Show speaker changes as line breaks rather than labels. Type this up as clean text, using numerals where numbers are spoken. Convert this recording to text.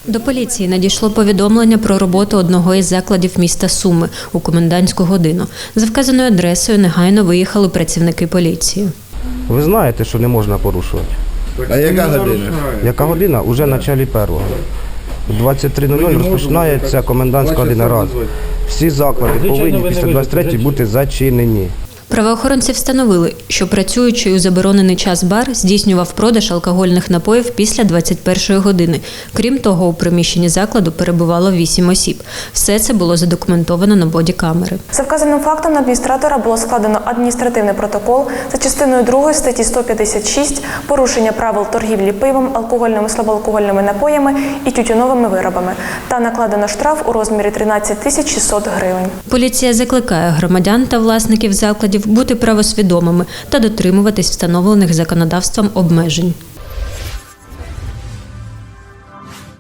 До поліції надійшло повідомлення про роботу одного із закладів міста Суми у комендантську годину. За вказаною адресою негайно виїхали працівники поліції.
Ви знаєте, що не можна порушувати.
А яка година?
Яка година? Уже в началі першого. У 23:00 розпочинається комендантська година раз. Всі заклади повинні після 23-ї бути зачинені.
Правоохоронці встановили, що працюючий у заборонений час бар здійснював продаж алкогольних напоїв після 21-ї години. Крім того, у приміщенні закладу перебувало 8 осіб. Все це було задокументовано на бодікамери.
За вказаним фактом на адміністратора було складено адміністративний протокол за частиною 2 статті 156 «Порушення правил торгівлі пивом, алкогольними, слабоалкогольними напоями і тютюновими виробами» та накладено штраф у розмірі 13 600 гривень.
Поліція закликає громадян та власників закладів бути правосвідомими та дотримуватись встановлених законодавством обмежень.